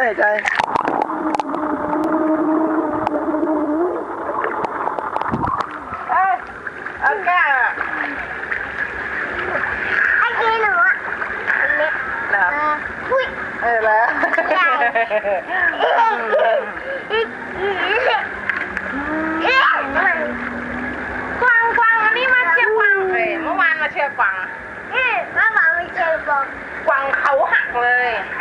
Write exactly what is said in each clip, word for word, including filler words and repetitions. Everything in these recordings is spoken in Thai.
หายใจเอ้ยเอาแก้วไอ้กินหนูอ่ะเล็กเหรออุ้ยเออแล้วกวางกวางวันนี้มาเชียร์กวางเอ้ยเมื่อวานมาเชียร์กวางเอ๊ะมาบอกไม่เจอบอกกวางเขาหักเลย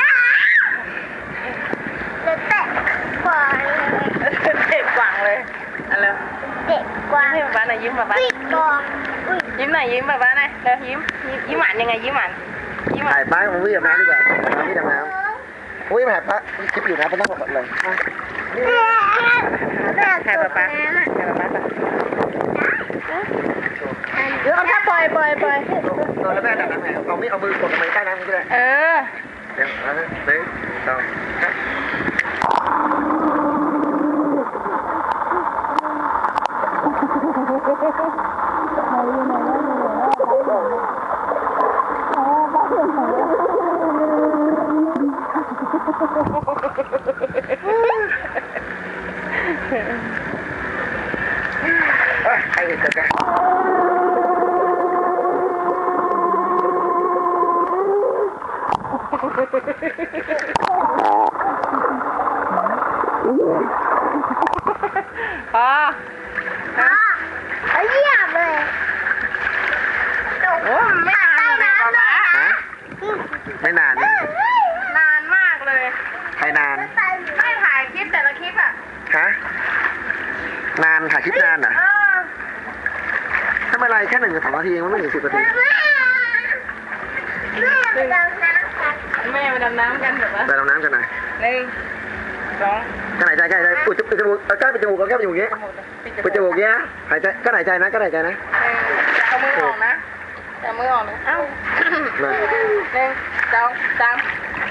เด็กเตะกว่าเลยเด็กกวางเลยอะไรเด็กกว่าให้ป๊าป๊าหน่อยยิ้มป๊าป๊าอุ้ยกองอุ้ยยิ้มหน่อยยิ้มป๊าป๊าหน่อยเร็วยิ้มยิ้มยิ้มหวานยังไงยิ้มหวานยิ้มหวาถ่าน ยป้าของวิ่งดำน้ำดีกว่าน้ำวิ่งดำน้ำวิ่งมาหาป้าคลิปอยู่นะป้าต้องหมดเลยใครป๊าป๊าใครป๊าป๊าเดี๋ยวเอาถ้าปล่อยปล่อยปล่อยโดนแล้วแม่ดำน้ำไงเอาไม่เอามือกดลงไปใต้น้ำก็ได้เออเดี๋ยวเอาหนึ่งสองใครจะกันพออ๋อเขาเยี่ยมเลยโอ้ไม่นานเลยป๊าป๊าฮะไม่นานนี่นานมากเลยใครนานไม่ถ่ายคลิปแต่ละคลิปอ่ะฮะนานถ่ายคลิปนานอ่ะเออถ้าไม่ไรแค่หนึ่งถึงสองนาทีมันไม่ถึงสิบนาทีแม่แม่ไปดำน้ำกันแม่ไปดำน้ำกันแบบว่าไปดำน้ำกันหน่อยหนึ่งสองกั้นหายใจกั้นหายใจอุดจมูกเอาก้านปิดจมูกเอาแก้มปิดจมูกอย่างงี้ปิดจมูกอย่างงี้นะหายใจกั้นหายใจนะกั้นหายใจนะเอามือออกนะเอามือออกนะเอ้ามาหนึ่งสองสาม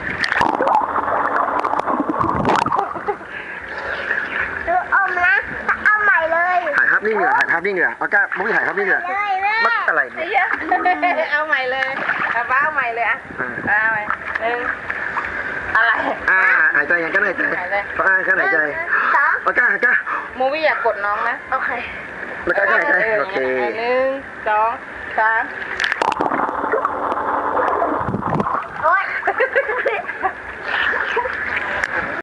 ดูอมนะเอาใหม่เลยถ่ายภาพนิ่งเหรอถ่ายภาพนิ่งเหรอเอาก้านมุ้งถ่ายภาพนิ่งเหรอเลยแม่มัดอะไรไอ้เนี่ยเหี้ยเอาใหม่เลยเอาบ้าเอาใหม่เลยอ่ะอ่าเอาใหม่หนึ่งอะไรอ่าหายใจยังกั้นหายใจก็อ่ากั้นหายใจสองเอาก้านก้านมูวี่อยากกดน้องนะโอเคแล้วก้านกั้นหายใจโอเคหนึ่งสองสาม